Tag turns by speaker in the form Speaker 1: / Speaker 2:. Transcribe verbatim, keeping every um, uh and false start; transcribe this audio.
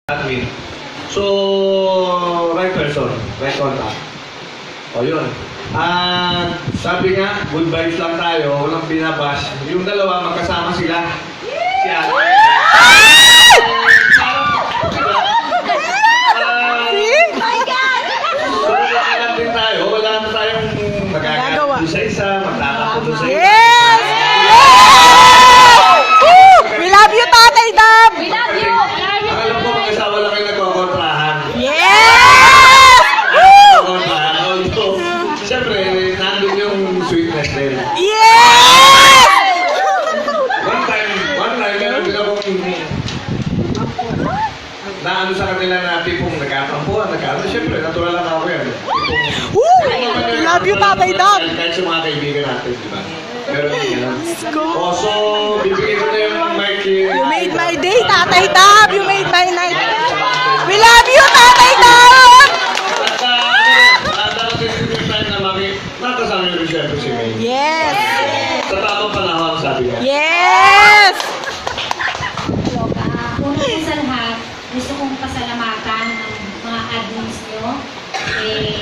Speaker 1: admin. So, right person, right contact. O yun. At sabi nga, good vibes lang tayo, walang binabas. Yung dalawa, magkasama sila. Si Ate. Wala din tayo, wala na tayong magagawa doon sa isa, magtatakot doon sa isa.
Speaker 2: Yes! Yes! Woo! We love you, Tatay Dab!
Speaker 3: We love you!
Speaker 1: Ang alam ko, mag-asawa lang kayo nagkokontrahan.
Speaker 2: Yes! Woo!
Speaker 1: Nagkokontrahan. Although, siyempre, nandun yung sweetness din.
Speaker 2: Yes!
Speaker 1: One time, one time, meron din akong naano sa kanila na tipong nagkatampuan, nagkaano. Siyempre, natural lang ako yan. Tipong,
Speaker 2: Woo! We love you, Tatay Dab!
Speaker 1: kahit sa mga kaibigan natin, di ba? Meron din yan.
Speaker 2: Let's go!
Speaker 1: Oh, so, bibigay ko na yung mic kay...
Speaker 2: You made my day, Tatay Dab! You made my night! We love you, Tatay Dab!
Speaker 1: At uh, darating din yung time na mami, nakasama yung siyempre si May.
Speaker 2: Yes!
Speaker 1: Sa tamang panahon, sabi niya.
Speaker 2: Yes!
Speaker 3: Una po sa lahat, gusto kong pasalamatan ang mga admins nyo. Eh,